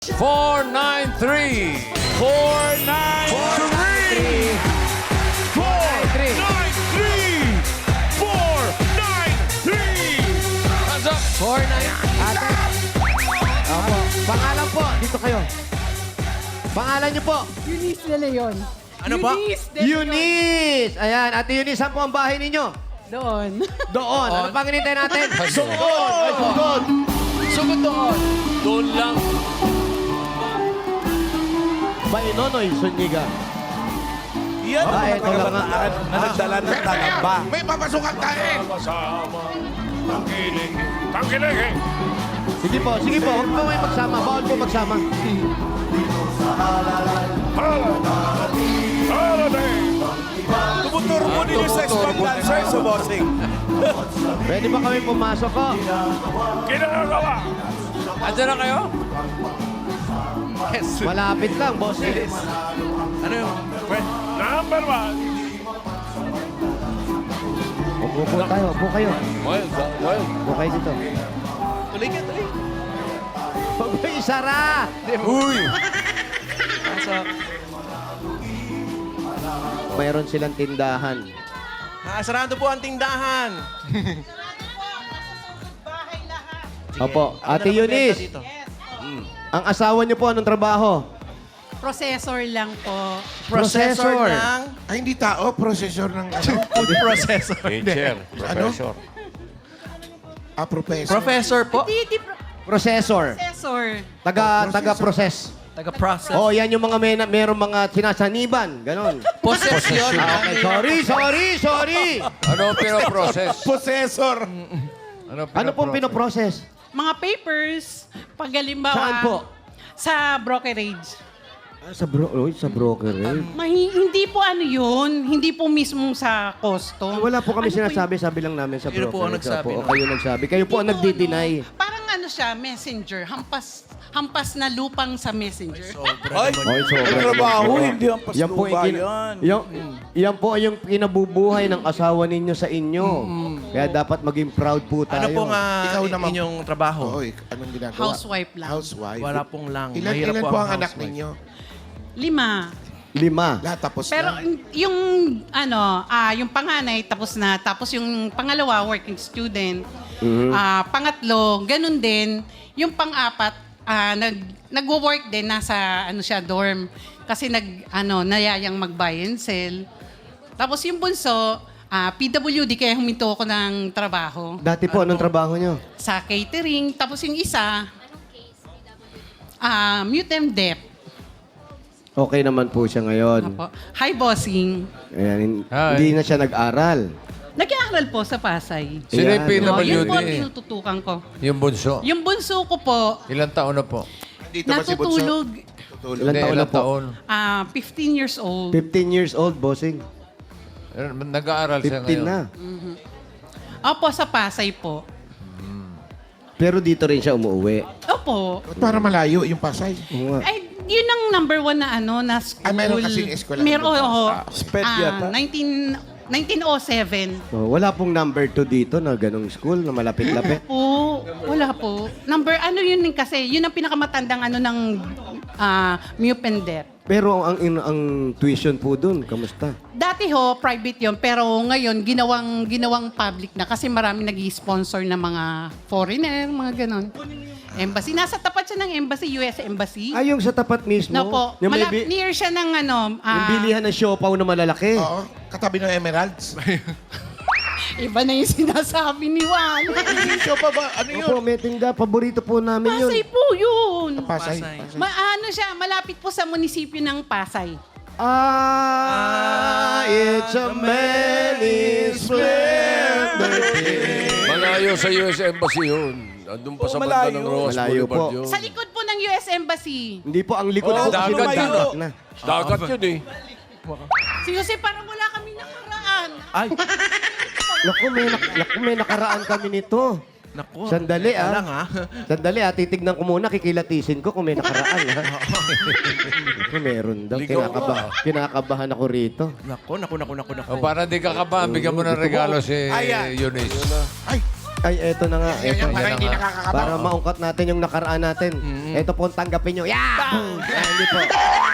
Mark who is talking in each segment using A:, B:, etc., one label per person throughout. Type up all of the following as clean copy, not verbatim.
A: 493.
B: 493. 493. 493.
A: Hands up.
C: 49. Ate. Opo. Pangalan po. Dito kayo. Pangalan niyo po.
D: Eunice de Leon.
B: Ano ba?
D: Eunice de Leon.
C: Eunice. Ayan. Ate Eunice, saan po ang bahay ninyo?
D: Doon.
C: Doon. Ano pang hinintay natin?
A: Sugod.
C: Ay, sugod.
A: Sugod doon. Doon lang.
C: Bay Nonoy Suniga.
B: Yan ang mga
C: ito lang nga.
B: kabataan na nagdala ng talaba.
E: May papasukan tayo. Tangkilig.
C: Sige po. Huwag po kayo magsama. Bawal po magsama.
B: Tumuturo mo din yung sex bomb dancer sa bossing.
C: Pwede ba kami pumasok ko?
E: Kinagawa.
A: Andiyan na kayo?
C: Malapit lang, boss.
B: Ano yung, friend?
E: Number 1.
C: Upo po tayo. Upo kayo.
A: Well.
C: Upo kayo dito.
B: Tuloy ka, tuloy.
C: Huwag mo isara.
A: Uy!
C: Mayroon silang tindahan.
B: Nakasarado po ang tindahan.
C: Opo.
B: Ako
C: Ate
B: na nagbenta
C: Eunice,
B: dito.
C: ang asawa niyo po, anong trabaho?
D: Processor lang po.
C: Processor.
B: ng
E: Ay, hindi tao. Processor ng ano?
B: food processor.
A: Teacher. Professor.
E: Professor.
B: Professor po.
D: Hindi
C: Processor.
D: processor.
C: Taga-process.
B: Taga-process.
C: Oh, yan yung mga merong mga sinasaniban. Ganon.
B: Possession.
C: Ah, okay. Sorry.
A: Ano ang pinoprocess?
E: Possessor.
C: Ano pong pinoprocess?
D: Mga papers, pag halimbawa...
C: Saan po?
D: Sa brokerage.
C: Sa broker eh.
D: Hindi po ano yun. Hindi po mismo sa costo.
C: Wala po kami
D: Ano
C: sinasabi, sabi lang namin sa
B: Sino
C: broker.
B: po ang nagsabi
C: O
B: nun?
C: kayo nagsabi. Kayo po ang
D: Hindi
C: nagdi-deny.
D: Parang ano siya, messenger. Hampas na lupang sa messenger.
B: Ay,
C: Ay, sobra.
B: ang trabaho, hindi ang
C: Yan po,
B: pasluba
C: yung
B: yan.
C: yan po yung kinabubuhay ng asawa ninyo sa inyo. Kaya dapat maging proud po tayo.
B: Ano po nga
E: Ikaw naman.
B: inyong trabaho?
E: Oo, anong ginagawa?
D: Housewife lang.
E: Housewife.
B: Wala pong lang.
E: Ilan,
B: Mahirap
E: ilan po ang anak
B: housewife.
E: ninyo?
D: 5.
C: 5.
E: Lahat tapos
D: Pero
E: na.
D: yung yung panganay tapos na, tapos yung pangalawa working student. Pangatlo, ganun din. Yung pang-apat nagwo-work din nasa siya dorm kasi nayayang mag-buy and sell. Tapos yung bunso, PWD kaya huminto ako ng trabaho
C: Dati po, anong trabaho nyo?
D: sa catering. Tapos yung isa, mute and deaf.
C: Okay naman po siya ngayon.
D: Apo. Hi, bossing.
C: Ayan,
A: Hi.
C: hindi na siya nag-aral.
D: Nag-aaral po sa Pasay.
A: Sino yung
C: Ayan.
D: Yun po ang
A: PWD?
D: tinututukan ko.
A: Yung bunso.
D: Yung bunso ko po,
A: Ilang taon na po?
E: Dito ba si Bunso?
D: natutulog,
C: Ilan taon na
A: Ilang
C: po?
A: taon?
D: 15 years old.
C: 15 years old, bossing.
A: Nag-aaral siya
C: 15
A: ngayon.
C: na.
D: Opo, sa Pasay po.
C: Pero dito rin siya umuwi.
D: Opo.
E: Para malayo yung Pasay.
C: Oo nga.
D: Ay, yun ang number 1 na school.
E: meron kasing eskwela.
D: Meron, oo.
B: Sped yata.
D: 1907.
C: Oh, wala pong number 2 dito na ganong school na malapit-lapit.
D: Wala po. Yun din kasi, yun ang pinakamatandang ng mute and deaf.
C: Pero ang tuition po dun, kamusta?
D: Dati private yon pero ngayon ginawang public na kasi marami nag-sponsor na mga foreigner, mga ganon. Embassy. Nasa tapat siya ng embassy, US Embassy.
C: Ay, yung sa tapat mismo?
D: No po.
C: Yung, may
D: Near siya ng
C: yung bilihan ng siopaw na malalaki.
E: Oo, katabi ng Emeralds.
D: iba na yung sinasabi ni Juan.
E: Show pa ba? Ano yun?
C: Opo, may tinda. Paborito po namin yun.
D: Pasay po yun.
E: Pasay.
B: Pasay.
D: Siya, malapit po sa munisipyo ng Pasay.
C: It's a many splendor.
A: Malayo sa US Embassy yun. Andun pa sa banda
B: malayo.
A: ng Ross
C: Malayo
A: Boulevard
C: po.
A: yun.
D: Sa likod po ng US Embassy.
C: Hindi po, ang likod
B: Oh,
C: po kasi
A: dagat,
C: dagat
B: dagat.
C: na.
A: Dagat yun eh.
D: Si Jose, parang wala kami nakaraan.
B: Ay,
C: Naku, may nakaraan kami nito.
B: naku.
C: Sandali,
B: Teka lang,
C: Sandali, titignan ko muna, kikilatisin ko kung may nakaraan, Kung meron daw.
A: Ligaw
C: Kinakabahan ako rito.
B: Naku.
A: O para di ka kabahan, bigyan mo ng regalo si
B: Ayan.
A: Eunice.
E: Ay,
C: Ay, eto na nga.
E: Yan
C: Eto,
E: yung para hindi nakakakaba.
C: para maungkat natin yung nakaraan natin. Ito po ang tanggapin nyo. Yeah! Hindi po.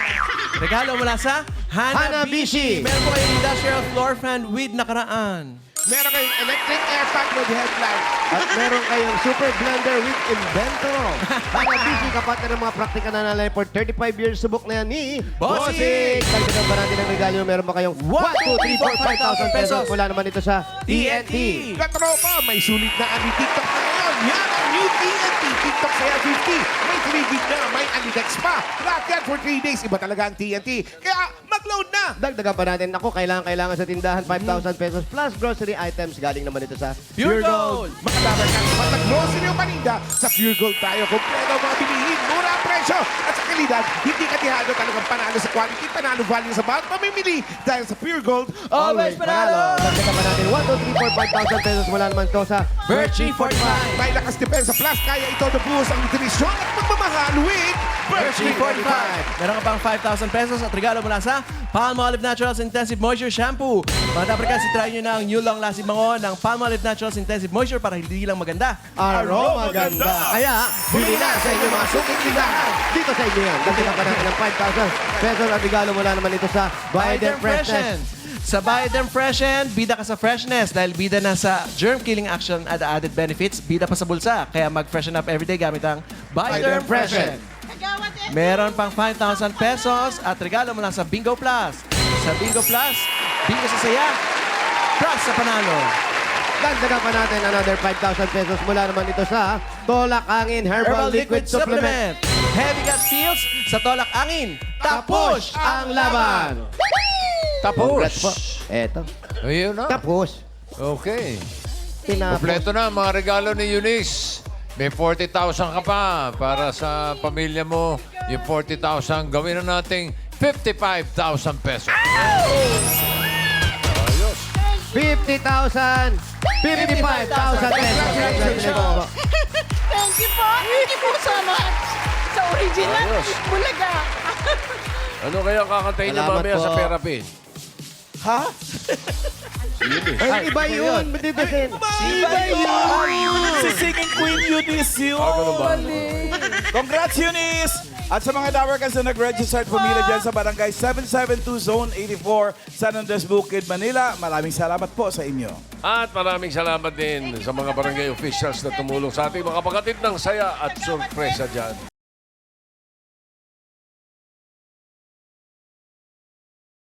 B: Regalo mula sa
C: Hanabishi.
B: Meron po kayong industrial floor fan with nakaraan.
E: Meron kayong electric air fan with headlight.
C: At meron kayong super blender with Invento. Hanabishi, kapatid ng mga praktika na nalay for 35 years. Subok na yan ni
B: Bossing!
C: Dagdagan pa natin ang regalo. Meron ba kayong 1, 2, 3, 4, 5,000 pesos? Mula naman ito sa TNT.
E: Katropa, may sulit na ani TikTok na ngayon. Yan ang new TNT TikTok Saya 50. May 3 gig na, may ani-text pa. Lahat yan for 3 days. Iba talaga ang TNT. Kaya mag-load na.
C: Dagdagan pa natin. Ako, kailangan sa tindahan 5,000 pesos plus grocery items. Galing naman ito sa
B: Pure Gold!
E: Mga dapat ka naman nag-grocery o paninda, sa Pure Gold tayo. Kompleto ang mga bilihin, mura ang presyo. At sa kalidad, hindi katihado talagang panalo sa quality, panalo value sa bawat pamimili. Dahil sa Pure Gold,
B: Always panalo!
C: Dagdagan pa natin 1, 2, 3, 4, 5,000 pesos. Mula naman ito sa
B: Birchie 45!
E: may lakas depensa plus, kaya ito nabuhos ang nutrisyon at pagmamahal with
B: Birchie 45! Meron ka pang 5,000 pesos at regalo mula sa Palmolive Naturals Intensive Moisture Shampoo. Mga dapat try nyo na ang new long-lasting bango ng Palmolive Naturals Intensive Moisture para hindi lang maganda.
C: Aroma Ganda. Kaya, bili na sa inyong mga suking tindahan. Dito sa inyo yan. Dagdagan pa natin ng 5,000 pesos. At regalo mula naman ito sa Biden Freshness.
B: Sa Biden Freshen, bida ka sa freshness dahil bida na sa germ-killing action at added benefits, bida pa sa bulsa. Kaya mag-freshen up everyday gamit ang Biden Freshen.
D: Kagawad eh.
B: Meron pang 5,000 pesos at regalo mula sa Bingo Plus. Sa Bingo Plus, bingo sa saya, plus sa panalo.
C: Dagdagan pa natin another 5,000 pesos. Mula naman ito sa Tolak Angin Herbal Liquid Supplement.
B: Heavy gas feels sa Tolak Angin. Tapos ang laban!
C: Congrats po.
A: Tapos.
C: Eto.
A: Ayun na.
C: Tapos.
A: Okay.
C: Tinapos.
A: Kompleto na ang mga regalo ni Eunice. May 40,000 ka pa para sa pamilya mo. Yung 40,000, gawin na nating 55,000 pesos. Ayos.
C: 50,000. 55,000 pesos. Congratulations po.
D: Thank you po. Thank you po so much. Sa original,
A: Ayos.
D: Bulaga.
A: Ano kaya kakantayin niya
C: Salamat
A: mamaya
C: po.
A: sa therapy?
C: Ay, iba yun. Dito sin.
B: Iba yun!
F: Si Singing Queen Eunice yun!
A: Ganun ba?
F: Congrats, Eunice! At sa mga Dawarkans na nag-register at pumila dyan sa Barangay 772 Zone 84, San Andres Bukid, Manila, maraming salamat po sa inyo.
A: At maraming salamat din sa mga barangay officials na tumulong sa ating mga kapatid ng saya at sorpresa dyan.